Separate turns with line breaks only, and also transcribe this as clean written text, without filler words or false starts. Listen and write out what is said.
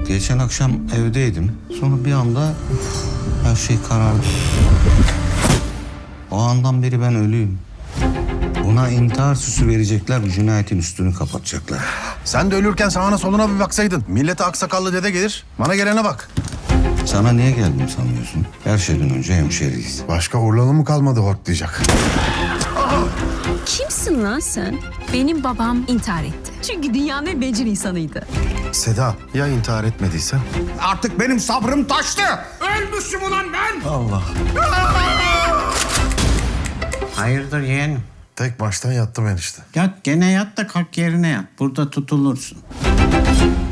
Geçen akşam evdeydim. Sonra bir anda her şey karardı. O andan beri ben ölüyüm. Buna intihar süsü verecekler, bu cinayetin üstünü kapatacaklar.
Sen de ölürken sağına soluna bir baksaydın. Millete aksakallı dede gelir. Bana gelene bak.
Sana niye geldim sanıyorsun? Her şeyden önce hemşeriyiz.
Başka Urlalı mı kalmadı hortlayacak?
Kimsin lan sen? Benim babam intihar etti. Çünkü dünyanın en bencil insanıydı.
Seda, ya intihar etmediysen?
Artık benim sabrım taştı. Ölmüşüm ulan ben.
Allah.
Hayırdır yeğenim?
Tek baştan yattım enişte.
Yat gene yat da kalk yerine yat. Burada tutulursun.